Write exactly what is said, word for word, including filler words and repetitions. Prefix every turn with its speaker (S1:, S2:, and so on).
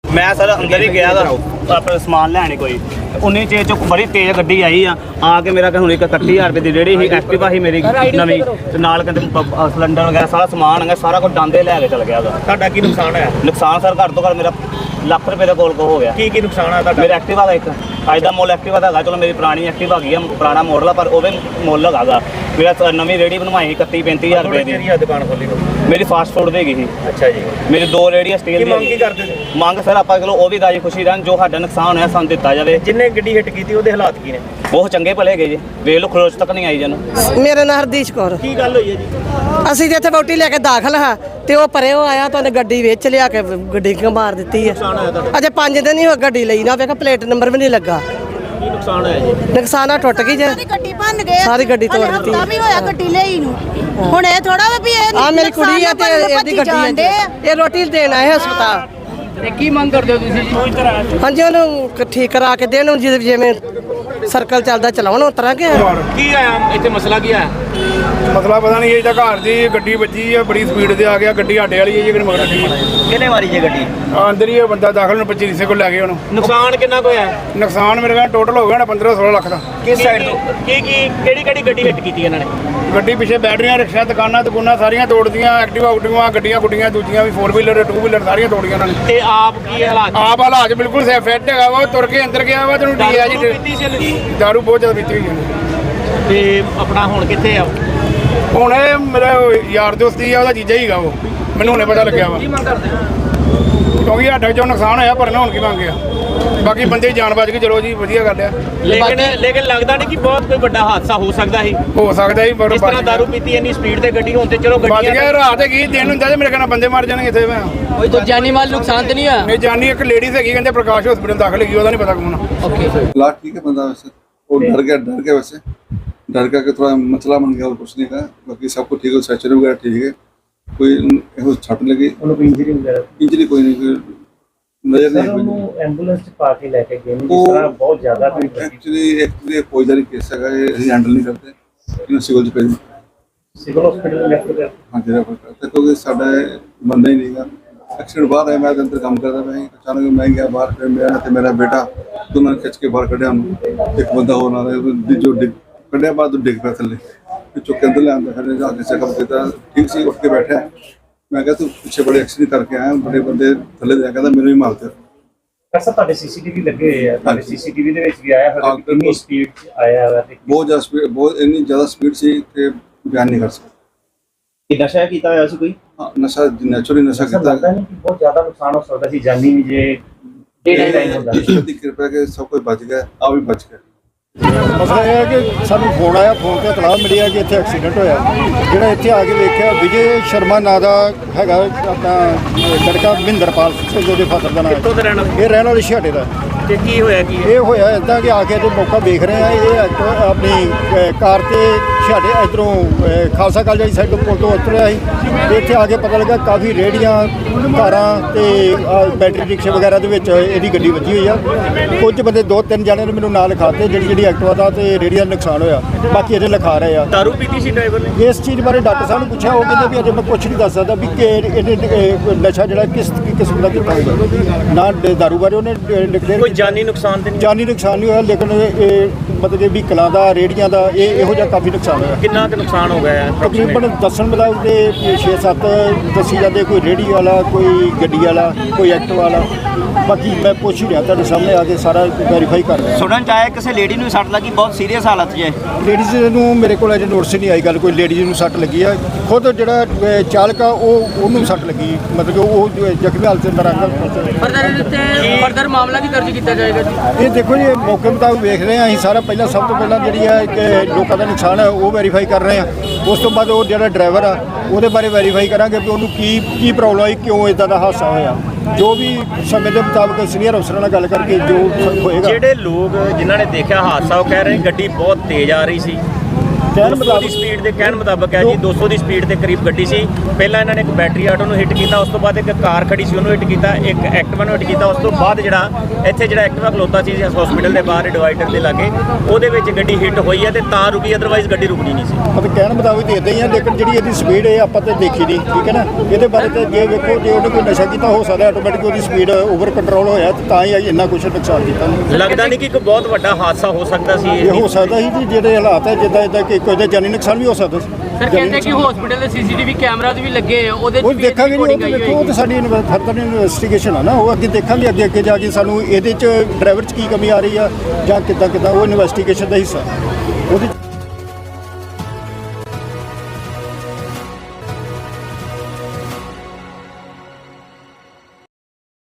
S1: मैं सर अंदर ही गया था अपना समान लैने कोई उन्नी चेज चो बड़ी तेज गड्डी आई आ आके मेरा हूँ एक इकट्ठी हज़ार रुपये की रेहड़ी ही एक्टिवा ही मेरी नवी नाल कहते सिलेंडर वगैरह सारा समान है सारा कुछ डांदे लैके चल गया।
S2: ਤੁਹਾਡਾ ਕੀ ਨੁਕਸਾਨ ਹੈ?
S1: नुकसान सर घट तो घट मेरा ਲੱਖ ਰੁਪਏ ਦੇ ਕੋਲ ਕੋ ਹੋ ਗਿਆ।
S2: ਕੀ ਕੀ ਨੁਕਸਾਨ ਹੈ ਤੁਹਾਡਾ?
S1: ਮੇਰਾ ਐਕਟਿਵਾ ਦਾ ਇੱਕ ਅੱਜ ਦਾ ਮੁੱਲ ਐਕਟਿਵਾ ਦਾ ਹੈਗਾ, ਚਲੋ ਮੇਰੀ ਪੁਰਾਣੀ ਐਕਟਿਵਾ ਹੈਗੀ ਆ, ਪੁਰਾਣਾ ਮਾਡਲ ਆ, ਪਰ ਉਹ ਵੀ ਮੁੱਲ ਹੈਗਾ। ਮੇਰਾ ਨਵੀਂ ਰੇਹੜੀ ਬਣਵਾਈ ਇਕੱਤੀ ਪੈਂਤੀ ਹਜ਼ਾਰ ਰੁਪਏ ਦੀ।
S2: ਦੁਕਾਨ ਖੋਲੀ
S1: ਮੇਰੀ ਫਾਸਟ ਫੂਡ ਦੀ ਹੈਗੀ ਸੀ।
S2: ਅੱਛਾ ਜੀ।
S1: ਮੇਰੀ ਦੋ ਰੇਹੜੀਆਂ ਸਟੀਲ
S2: ਕੀ
S1: ਦੀਆਂ।
S2: ਮੰਗ ਕੀ ਕਰਦੇ ਸੀ?
S1: ਮੰਗ ਸਰ ਆਪਾਂ ਚਲੋ ਉਹ ਵੀ ਰਾਜੀ ਖੁਸ਼ੀ ਰਹਿਣ, ਜੋ ਸਾਡਾ ਨੁਕਸਾਨ ਹੋਇਆ ਸਾਨੂੰ ਦਿੱਤਾ ਜਾਵੇ।
S2: ਜਿੰਨੇ ਗੱਡੀ ਹਿੱਟ ਕੀਤੀ ਉਹਦੇ ਹਾਲਾਤ ਕੀ ਨੇ?
S1: ਬਹੁਤ ਚੰਗੇ ਭਲੇ ਹੈਗੇ ਜੀ, ਵੇਖ ਲਓ ਖਰੋਚ ਤੱਕ ਨਹੀਂ ਆਈ ਜਨ।
S3: ਮੇਰਾ ਨਾਂ ਹਰਦੀਸ਼ ਕੌਰ।
S2: ਕੀ ਗੱਲ ਹੋਈ ਹੈ ਜੀ?
S3: ਅਸੀਂ ਤੇ ਇੱਥੇ ਵੋਟੀ ਲੈ ਕੇ ਦਾਖਲ ਹਾਂ ਤੇ ਉਹ ਪਰੇ ਉਹ ਆਇਆ ਤਾਂ ਉਹਨੇ ਗੱਡੀ ਵਿੱਚ ਲਿਆ ਕੇ ਗੱਡੀ ਕਿਉਂ ਮਾਰ ਦਿੱਤੀ ਹੈ। ਅਜੇ ਪੰਜ ਦਿਨ ਹੀ ਹੋ ਗੱਡੀ ਲਈ ਨਾ, ਵੇਖ ਪਲੇਟ ਨੰਬਰ ਵੀ ਨਹੀਂ ਲੱਗਾ।
S2: ਕੀ ਨੁਕਸਾਨ ਹੋਇਆ ਜੀ?
S3: ਨੁਕਸਾਨ ਆ ਟੁੱਟ ਗਈ ਜੇ,
S4: ਸਾਰੀ ਗੱਡੀ ਭੰਨ ਗਏ,
S3: ਸਾਰੀ ਗੱਡੀ ਤੋੜ ਦਿੱਤੀ।
S4: ਹਫਤਾ ਵੀ ਹੋਇਆ ਗੱਡੀ ਲਈ ਨੂੰ। ਹੁਣ ਇਹ ਥੋੜਾ ਵੀ ਇਹ
S3: ਆ ਮੇਰੀ ਕੁੜੀ ਆ ਤੇ ਇਹਦੀ ਗੱਡੀ ਹੈ, ਇਹ ਰੋਟੀ ਦੇਣ ਆਏ ਹਸਪਤਾਲ।
S5: ਕੀ ਮੰਗ ਕਰਦੇ ਹੋ ਤੁਸੀਂ ਜੀ?
S3: ਹਾਂਜੀ ਉਹਨੂੰ ਠੀਕ ਕਰਾ ਕੇ ਦੇਣ, ਜਿਵੇਂ ਸਰਕਲ ਚੱਲਦਾ ਚਲਾਉਣ ਉਸ ਤਰ੍ਹਾਂ ਕਿ
S2: ਕੀ ਆਇਆ ਇੱਥੇ ਮਸਲਾ ਕੀ ਆ?
S6: ਮਸਲਾ ਪਤਾ ਨਹੀਂ, ਇਹ ਤਾਂ ਘਰ ਦੀ ਗੱਡੀ ਵੱਜੀ ਹੈ, ਬੜੀ ਸਪੀਡ ਤੇ ਆ ਗਿਆ। ਗੱਡੀ ਸਾਡੇ ਵਾਲੀ ਹੈ ਜਿਹੜੀ ਮਗਰ ਗੱਡੀ
S2: ਕਿਹਨੇ ਮਾਰੀ ਜੇ ਗੱਡੀ?
S6: ਅੰਦਰ ਹੀ ਇਹ ਬੰਦਾ ਦਾਖਲ ਨੂੰ ਪੱਚੀ ਹਿੱਸੇ ਕੋਲ ਲੈ ਗਏ ਉਹਨੂੰ।
S2: ਨੁਕਸਾਨ ਕਿੰਨਾ ਕੁ ਹੋਇਆ?
S6: ਨੁਕਸਾਨ ਮੇਰੇ ਕੋਲ ਟੋਟਲ ਹੋ ਗਿਆ ਨਾ ਪੰਦਰਾਂ ਸੋਲਾਂ ਲੱਖ ਦਾ।
S2: ਕਿਸ ਸਾਈਡ ਤੋਂ? ਕੀ ਕੀ ਕਿਹੜੀ ਕਿਹੜੀ ਗੱਡੀ ਹਿੱਟ ਕੀਤੀ ਇਹਨਾਂ ਨੇ?
S6: ਗੱਡੀ ਪਿੱਛੇ ਬੈਟਰੀਆਂ, ਰਿਕਸ਼ਾ, ਦੁਕਾਨਾਂ ਦੁਕਾਨਾਂ ਸਾਰੀਆਂ ਤੋੜਦੀਆਂ। ਐਕਟਿਵਾ ਉਕਟਿਵਾ ਗੱਡੀਆਂ ਗੁੱਡੀਆਂ ਦੂਜੀਆਂ ਵੀ ਫੋਰ ਵੀਲਰ ਟੂ ਵੀਲਰ ਸਾਰੀਆਂ ਤੋੜੀਆਂ ਉਹਨਾਂ ਨੇ।
S2: ਤੇ ਆਪ ਕੀ ਹਾਲਾਤ?
S6: ਆਪ ਹਾਲਾਤ ਬਿਲਕੁਲ ਸੇ ਫਿੱਟ ਹੈਗਾ ਵਾ, ਤੁਰ ਕੇ ਅੰਦਰ ਗਿਆ ਵਾ। ਤੈਨੂੰ ਡੀ ਆ ਜੀ
S2: ਪੀਤੀ ਸੀ ਇਹਨੇ?
S6: ਦਾਰੂ ਬਹੁਤ ਜ਼ਿਆਦਾ ਪੀਤੀ ਹੋਈ ਹੈ।
S2: ਤੇ ਆਪਣਾ ਹੁਣ ਕਿੱਥੇ ਆ?
S6: ਹੁਣ ਇਹ ਮੇਰਾ ਯਾਰ ਦੋਸਤੀ ਆ, ਉਹਦਾ ਜੀਜਾ ਹੀਗਾ ਉਹ, ਮੈਨੂੰ ਹੁਣੇ ਪਤਾ ਲੱਗਿਆ ਵਾ।
S2: ਕੀ ਮੰਗ ਕਰਦੇ?
S6: ਕਿਉਂਕਿ ਸਾਡਾ ਚੋਂ ਨੁਕਸਾਨ ਹੋਇਆ, ਪਰ ਨਾ ਹੁਣ ਕੀ ਮੰਗ ਗਿਆ। ਬਾਕੀ ਬੰਦੇ ਦੀ ਜਾਨ ਬਚ ਗਈ, ਚਲੋ ਜੀ ਵਧੀਆ ਗੱਲ ਆ।
S2: ਲੇਕਿਨ ਲੇਕਿਨ ਲੱਗਦਾ ਨਹੀਂ ਕਿ ਬਹੁਤ ਕੋਈ ਵੱਡਾ ਹਾਦਸਾ ਹੋ ਸਕਦਾ ਸੀ।
S6: ਹੋ ਸਕਦਾ ਜੀ, ਪਰ
S2: ਇਸ ਤਰ੍ਹਾਂ ਦਾਰੂ ਪੀਤੀ ਇੰਨੀ ਸਪੀਡ ਤੇ ਗੱਡੀ ਹੋਣ ਤੇ ਚਲੋ
S6: ਬਚ
S2: ਗੱਡੀਆਂ
S6: ਗਿਆ। ਰਾਤ ਹੈਗੀ, ਦਿਨ ਹੁੰਦਾ ਤੇ ਮੇਰੇ ਕਹਿੰਦਾ ਬੰਦੇ ਮਰ ਜਾਣਗੇ ਇੱਥੇ। ਮੈਂ
S5: ਕੋਈ ਤਾਂ ਜਾਨੀ ਮਾਲ ਨੁਕਸਾਨ ਤੇ ਨਹੀਂ ਹੋਇਆ?
S6: ਨਹੀਂ ਜਾਨੀ, ਇੱਕ ਲੇਡੀਜ਼ ਹੈਗੀ ਕਹਿੰਦੇ ਪ੍ਰਕਾਸ਼ ਹਸਪੀਟਲ ਦਾਖਲ ਹੈਗੀ, ਉਹਦਾ ਨਹੀਂ ਪਤਾ ਕੌਣ ਆ।
S5: ਓਕੇ
S7: लास्ट ठीक है बंदा, वैसे वो डर गया, डर गया वैसे डर गया कि थोड़ा मसला बन गया और कुछ नहीं कहा। बाकी सब कुछ ठीक है, सैचुरी वगैरह ठीक है, कोई ਇਹੋ ਛੱਟ ਲੱਗੀ
S2: ਇੰਜਰੀ ਵਗੈਰਾ
S7: ਇੰਜਰੀ ਕੋਈ ਨਹੀਂ, ਕੋਈ ਨਜ਼ਰ ਨਹੀਂ ਕੋਈ।
S2: ਉਹਨੂੰ ਐਂਬੂਲੈਂਸ ਚ ਪਾ ਕੇ ਲੈ ਕੇ ਗਏ ਨੇ, ਜਿਸ
S7: ਉਹ
S2: ਤਰ੍ਹਾਂ ਬਹੁਤ ਜ਼ਿਆਦਾ ਕੋਈ
S7: ਐਕਚੁਅਲੀ ਇੱਕ ਫੌਜਦਾਰੀ ਕੇਸ ਹੈਗਾ, ਇਹ ਅਸੀਂ ਹੈਂਡਲ ਨਹੀਂ ਕਰਦੇ, ਇਹਨੂੰ ਸਿਵਲ ਚ ਭੇਜ
S2: ਸਿਵਲ ਹਸਪੀਟਲ ਲੈ ਕੇ ਗਏ।
S7: ਹਾਂ ਜਿਹੜਾ ਕੋਈ ਕਰਦਾ, ਕਿਉਂਕਿ ਸਾਡਾ ਬੰਦਾ ਹੀ ਨਹੀਂਗਾ। ਐਕਸੀਡੈਂਟ ਬਾਹਰ ਆਇਆ, ਮੈਂ ਅੰਦਰ ਕੰਮ ਕਰਦਾ ਮੈਂ, ਅਚਾਨਕ ਮੈਂ ਗਿਆ ਬਾਹਰ, ਫਿਰ ਮੇਰਾ ਤੇ ਮੇਰਾ ਬੇਟਾ ਦੋਨਾਂ ਨੇ ਖਿੱਚ ਕੇ ਬਾਹਰ ਕੱਢਿਆ ਉਹਨੂੰ। ਇੱਕ ਬੰਦਾ ਹੋਰ ਨਾਲ ਜੋ ਡਿੱਗ ਕੱਢਿਆ, ਬਾਅਦ ਡਿੱਗ ਪਿਆ ਥੱਲੇ, ਫਿਰ ਚੁੱਕ ਕੇ ਅੰਦਰ ਲਿਆਂਦਾ। ਫਿਰ ਜਾ ਕੇ ਚੈੱਕਅਪ ਕੀਤਾ, ਠੀਕ ਸੀ, ਉੱਠ ਕੇ ਬੈਠਿਆ। ਮੈਂ ਕਿਹਾ ਤੂੰ ਪਿੱਛੇ ਬੜੇ ਐਕਸੀਡੈਂਟ ਕਰਕੇ ਆਇਆ, ਬੜੇ ਬੰਦੇ ਥੱਲੇ ਦੇ, ਕਹਿੰਦਾ ਮੈਨੂੰ ਵੀ ਮਾਰ ਦਿਓ।
S2: ਐਸਾ ਤੁਹਾਡੇ ਸੀਸੀਟੀਵੀ ਲੱਗੇ ਹੋਏ ਆ, ਤੁਹਾਡੇ ਸੀਸੀਟੀਵੀ ਦੇ ਵਿੱਚ ਵੀ ਆਇਆ ਹੋਇਆ ਕਿ ਕਿੰਨੀ ਸਪੀਡ ਆਇਆ ਹੋਇਆ ਤੇ
S7: ਬਹੁਤ ਜ਼ਿਆਦਾ ਸਪੀਡ, ਬਹੁਤ ਇੰਨੀ ਜ਼ਿਆਦਾ ਸਪੀਡ ਸੀ ਕਿ ਬਿਆਨ ਨਹੀਂ ਕਰ ਸਕਦਾ।
S2: ਨਸ਼ਾ ਕੀਤਾ ਹੋਇਆ ਸੀ ਕੋਈ?
S7: ਹਾਂ, ਨਸ਼ਾ ਨੈਚੁਰਲੀ ਨਸ਼ਾ ਕੀਤਾ।
S2: ਲੱਗਦਾ ਨਹੀਂ ਕਿ ਬਹੁਤ ਜ਼ਿਆਦਾ ਨੁਕਸਾਨ ਹੋ ਸਕਦਾ ਸੀ, ਜਾਨੀ ਵੀ ਜੇ ਡੇ ਟਾਈਮ ਹੁੰਦਾ।
S7: ਈਸ਼ਵਰ ਦੀ ਕਿਰਪਾ ਕਿ ਸਭ ਕੁਝ ਬਚ ਗਿਆ, ਆ ਵੀ ਬਚ ਗਿਆ।
S8: ਮਸਲਾ ਇਹ ਹੈ ਕਿ ਸਾਨੂੰ ਫੋਨ ਆਇਆ, ਫੋਨ ਤੇ ਇਤਲਾਹ ਮਿਲੀ ਹੈ ਕਿ ਇੱਥੇ ਐਕਸੀਡੈਂਟ ਹੋਇਆ। ਜਿਹੜਾ ਇੱਥੇ ਆ ਕੇ ਵੇਖਿਆ, ਵਿਜੇ ਸ਼ਰਮਾ ਨਾਂ ਦਾ ਹੈਗਾ ਆਪਣਾ ਲੜਕਾ, ਮਹਿੰਦਰਪਾਲ ਸਿੰਘ ਉਹਦੇ ਫਾਦਰ ਦਾ ਨਾਮ।
S2: ਕਿੱਥੋਂ ਦੇ ਰਹਿਣ ਵਾਲੇ?
S8: ਇਹ ਰਹਿਣ ਵਾਲੇ ਛਾਟੇ ਦਾ।
S2: ਤੇ ਕੀ ਹੋਇਆ ਕੀ?
S8: ਇਹ ਹੋਇਆ ਇੱਦਾਂ ਕਿ ਆ ਕੇ ਤੇ ਮੌਕਾ ਵੇਖ ਰਹੇ ਆ, ਇਹ ਐਕਟਿਵਾ ਆਪਣੀ ਅ, ਕਾਰ ਤੇ ਛਾਟੇ ਇੱਧਰੋਂ ਅ, ਖਾਲਸਾ ਕਾਲਜ ਵਾਲੀ ਸਾਈਡ ਤੋਂ ਪੁਲ ਤੋਂ ਉਤਰਿਆ ਸੀ। ਤੇ ਇੱਥੇ ਆ ਕੇ ਪਤਾ ਲੱਗਾ ਕਾਫੀ ਰੇਹੜੀਆਂ, ਕਾਰਾਂ ਤੇ ਅ, ਬੈਟਰੀ ਰਿਕਸ਼ੇ ਵਗੈਰਾ ਦੇ ਵਿੱਚ ਇਹਦੀ ਗੱਡੀ ਵੱਜੀ ਹੋਈ ਆ। ਕੁਝ ਬੰਦੇ ਦੋ ਤਿੰਨ ਜਣੇ ਨੇ ਮੈਨੂੰ ਨਾਲ ਲਿਖਾਤੇ, ਜਿਹੜੀ ਜਿਹੜੀ ਐਕਟਿਵਾ ਦਾ ਤੇ ਰੇਹੜੀਆਂ ਦਾ ਨੁਕਸਾਨ ਹੋਇਆ। ਬਾਕੀ ਇਹਦੇ ਲਿਖਾ ਰਹੇ ਆ।
S2: ਦਾਰੂ ਪੀਤੀ ਸੀ ਡਰਾਈਵਰ ਨੇ?
S8: ਇਸ ਚੀਜ਼ ਬਾਰੇ ਡਾਕਟਰ ਸਾਹਿਬ ਨੂੰ ਪੁੱਛਿਆ, ਉਹ ਕਹਿੰਦੇ ਵੀ ਅਜੇ ਮੈਂ ਕੁਛ ਨਹੀਂ ਦੱਸ ਸਕਦਾ ਵੀ ਕਿ ਇਹਨੇ ਇਹ ਨਸ਼ਾ ਜਿਹੜਾ ਕਿਸ ਕਿਸਮ ਦਾ ਕੀਤਾ ਹੋਊਗਾ। ਨਾ ਦਾਰੂ ਬਾਰੇ ਉਹਨੇ ਡਿਕਲੇਅਰ।
S2: ਕੋਈ ਜਾਨੀ ਨੁਕਸਾਨ ਤੇ ਨਹੀਂ?
S8: ਜਾਨੀ ਨੁਕਸਾਨ ਨਹੀਂ ਹੋਇਆ, ਲੇਕਿਨ ਇਹ ਮਤਲਬ ਵੀ ਕਲਾਂ ਦਾ, ਰੇਹੜੀਆਂ ਦਾ ਇਹ ਇਹੋ ਜਿਹਾ ਕਾਫੀ ਨੁਕਸਾਨ ਹੋਇਆ।
S2: ਕਿੰਨਾ ਕੁ ਨੁਕਸਾਨ ਹੋ ਗਿਆ?
S8: ਤਕਰੀਬਨ ਦੱਸਣ ਮੁਤਾਬਕ ਦੇ ਛੇ ਸੱਤ ਦੱਸੀ ਜਾਂਦੇ, ਕੋਈ ਰੇਹੜੀ ਵਾਲਾ, ਕੋਈ ਗੱਡੀ ਵਾਲਾ, ਕੋਈ ਐਕਟਿਵਾ ਵਾਲਾ। ਬਾਕੀ ਮੈਂ ਪੁੱਛ ਹੀ ਰਿਹਾ, ਤੁਹਾਡੇ ਸਾਹਮਣੇ ਆ ਕੇ ਸਾਰਾ ਵੈਰੀਫਾਈ ਕਰ ਰਿਹਾ।
S1: ਸੁਣਨ ਚ ਆਇਆ ਕਿਸੇ ਲੇਡੀ ਨੂੰ ਸੱਟ ਲੱਗੀ, ਬਹੁਤ ਸੀਰੀਅਸ ਹਾਲਤ 'ਚ ਹੈ।
S8: ਲੇਡੀਜ਼ ਨੂੰ ਮੇਰੇ ਕੋਲ ਅਜੇ ਨੋਟਿਸ ਨਹੀਂ ਆਈ ਗੱਲ, ਕੋਈ ਲੇਡੀਜ਼ ਨੂੰ ਸੱਟ ਲੱਗੀ ਆ। ਖੁਦ ਜਿਹੜਾ ਅ, ਚਾਲਕ ਆ ਉਹ ਉਹਨੂੰ ਸੱਟ ਲੱਗੀ, ਮਤਲਬ ਕਿ ਉਹ ਜ਼ਖਮੀ ਹਾਲਤ ਦੇ ਅੰਦਰ ਆ ਗਿਆ।
S5: ਫਰਦਰ ਤੇ ਫਰਦਰ ਮਾਮਲਾ ਵੀ ਦਰਜ ਕੀਤਾ ਜਾਏਗਾ ਜੀ?
S8: ਇਹ ਦੇਖੋ ਜੀ, ਇਹ ਮੌਕੇ ਮੁਤਾਬਕ ਵੇਖ ਰਹੇ ਹਾਂ ਅਸੀਂ ਸਾਰਾ। ਪਹਿਲਾਂ ਸਭ ਤੋਂ ਪਹਿਲਾਂ ਜਿਹੜੀ ਹੈ ਕਿ ਲੋਕਾਂ ਦਾ ਨੁਕਸਾਨ ਹੈ ਉਹ ਵੈਰੀਫਾਈ ਕਰ ਰਹੇ ਹਾਂ। ਉਸ ਤੋਂ ਬਾਅਦ ਉਹ ਜਿਹੜਾ ਡਰਾਈਵਰ ਆ ਉਹਦੇ ਬਾਰੇ ਵੈਰੀਫਾਈ ਕਰਾਂਗੇ ਵੀ ਉਹਨੂੰ ਕੀ ਕੀ ਪ੍ਰੋਬਲਮ ਆਈ, ਕਿਉਂ ਇਦਾਂ ਦਾ ਹਾਦਸਾ ਹੋਇਆ। ਜੋ ਵੀ ਸਮੇਂ ਦੇ ਮੁਤਾਬਕ ਸੀਨੀਅਰ ਅਫਸਰਾਂ ਨਾਲ ਗੱਲ ਕਰਕੇ ਜੋ ਹੋਏਗਾ।
S2: ਜਿਹੜੇ ਲੋਕ ਜਿਨ੍ਹਾਂ ਨੇ ਦੇਖਿਆ ਹਾਦਸਾ, ਉਹ ਕਹਿ ਰਹੇ ਗੱਡੀ ਬਹੁਤ ਤੇਜ਼ ਆ ਰਹੀ ਸੀ
S8: ਕਹਿਣ
S2: ਦੋ ਸੌ ਦੀ
S8: ਮੁਤਾਬਕ
S2: ਸਪੀਡ ਦੇ ਕਹਿਣ ਮੁਤਾਬਕ ਹੈ ਜੀ ਦੋ ਸੌ ਦੀ ਸਪੀਡ ਦੇ ਕਰੀਬ ਗੱਡੀ ਸੀ। ਪਹਿਲਾਂ ਇਹਨਾਂ ਨੇ ਇੱਕ ਬੈਟਰੀ ਆਟੋ ਨੂੰ ਹਿੱਟ ਕੀਤਾ, ਉਸ ਤੋਂ ਬਾਅਦ ਇੱਕ ਕਾਰ ਖੜੀ ਸੀ ਉਹਨੂੰ ਹਿੱਟ ਕੀਤਾ, ਇੱਕ ਐਕਟਿਵਾ ਨੂੰ ਹਿੱਟ ਕੀਤਾ। ਉਸ ਤੋਂ ਬਾਅਦ ਜਿਹੜਾ ਇੱਥੇ ਜਿਹੜਾ ਐਕਟਿਵਾ ਖਲੋਤਾ ਸੀ ਹਸਪੀਟਲ ਦੇ ਬਾਹਰ ਡਿਵਾਈਡਰ ਦੇ ਲਾਗੇ, ਉਹਦੇ ਵਿੱਚ ਗੱਡੀ ਹਿੱਟ ਹੋਈ ਹੈ ਤੇ ਤਾਂ ਰੁਕੀ, ਅਦਰਵਾਈਜ਼ ਗੱਡੀ ਰੁਕਣੀ ਨਹੀਂ ਸੀ।
S8: ਮਤਲਬ ਕਹਿਣ ਮੁਤਾਬਕ ਦੇ ਇਦਾਂ ਹੀ ਆ, ਲੇਕਿਨ ਜਿਹੜੀ ਇਹਦੀ ਸਪੀਡ ਹੈ ਆਪਾਂ ਤੇ ਦੇਖੀ ਨਹੀਂ, ਠੀਕ ਹੈ ਨਾ। ਇਹਦੇ ਬਾਰੇ ਤੇ ਜੇ ਵੇਖੋ ਜੇ ਉਹਨੇ ਕੋਈ ਨਸ਼ਾ ਕੀਤਾ ਹੋ ਸਕਦਾ ਆਟੋਮੈਟਿਕ ਉਹਦੀ ਸਪੀਡ ਓਵਰ ਕੰਟਰੋਲ ਹੋਇਆ ਤੇ ਤਾਂ ਹੀ ਇੰਨਾ ਕੁਛ ਨੁਕਸਾਨ ਕੀਤਾ ਉਹਨੇ।
S2: ਲੱਗਦਾ ਨਹੀਂ ਕਿ ਇੱਕ ਬਹੁਤ ਵੱਡਾ ਹਾਦਸਾ ਹੋ ਸਕਦਾ ਸੀ
S8: ਇਹ ਹੋ ਸਕਦਾ ਸੀ ਜੀ, ਜਿਹੜੇ ਹਾਲਾਤ ਹੈ ਜਿੱਦਾਂ ਇਦਾਂ ਕਿ ਕੋਈ ਦਾ ਜਾਨੀ ਨੁਕਸਾਨ ਵੀ ਹੋ ਸਕਦਾ ਸੀ।
S5: ਸਰ ਕਹਿੰਦੇ ਕਿ ਹਸਪੀਟਲ ਦੇ ਸੀਸੀਟੀਵੀ ਕੈਮਰਾ ਵੀ ਲੱਗੇ ਆ, ਉਹਦੇ
S8: ਉਹ
S5: ਚ ਵੀ
S8: ਦੇਖਾਂਗੇ ਨਹੀਂ, ਉਹ
S5: recording
S8: ਤਾਂ
S5: ਆਈ
S8: ਵੇਖੋ ਉਹ ਤਾਂ ਸਾਡੀ ਫਰਦਰ ਇਨਵੈਸਟੀਗੇਸ਼ਨ ਆ ਨਾ, ਉਹ ਅੱਗੇ ਦੇਖਾਂਗੇ ਅੱਗੇ ਅੱਗੇ ਜਾ ਕੇ ਸਾਨੂੰ ਇਹਦੇ ਚ ਡਰਾਈਵਰ ਚ ਕੀ ਕਮੀ ਆ ਰਹੀ ਆ ਜਾਂ ਕਿੱਦਾਂ ਕਿੱਦਾਂ, ਉਹ ਇਨਵੈਸਟੀਗੇਸ਼ਨ ਦਾ ਹਿੱਸਾ ਉਹਦੇ 'ਚ